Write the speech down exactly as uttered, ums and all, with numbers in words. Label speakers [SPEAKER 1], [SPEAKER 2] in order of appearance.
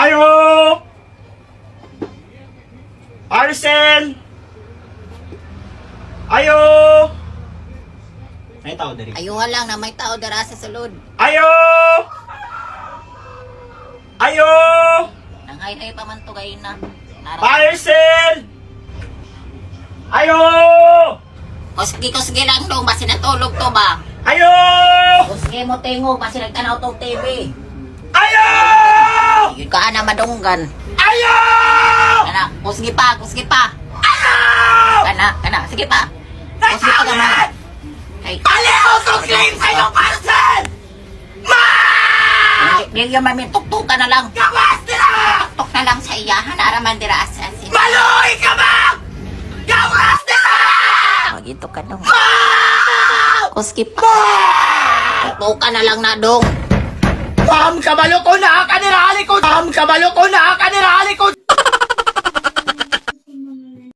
[SPEAKER 1] Ayo! Parcel! Ayo! May tao dari.
[SPEAKER 2] Ayuha lang na may tao dara sa sulod.
[SPEAKER 1] Ayo! Ayo!
[SPEAKER 2] Nanghay-hay pa man to gay na. Nara.
[SPEAKER 1] Parcel! Ayo!
[SPEAKER 2] Kusgi-kusgi lang dong, basi natulog to ba?
[SPEAKER 1] Ayo!
[SPEAKER 2] Kusgi mo tingog, basi nagtanaw tong T V.
[SPEAKER 1] Ayo!
[SPEAKER 2] Yun ka na madunggan.
[SPEAKER 1] Ayo!
[SPEAKER 2] Kana, kusgi pa, kusgi pa.
[SPEAKER 1] Ayo!
[SPEAKER 2] Kana, kana, sige pa. Kusgi pa naman. Ay,
[SPEAKER 1] Aliw to claim sa iyong parcel! Ma!
[SPEAKER 2] di yung mamin, tuktukan na lang.
[SPEAKER 1] Gawas nila!
[SPEAKER 2] Tuktok na lang sa iyahan, araman dira asasin.
[SPEAKER 1] Maluhi ka ba? Gawas nila!
[SPEAKER 2] Magito ka dong.
[SPEAKER 1] Ma!
[SPEAKER 2] Kusgi pa. Tuktukan na lang na dong.
[SPEAKER 1] Ma'am, kabalo ko na! Kanirali ko! Ma'am, kabalo ko na! Kanirali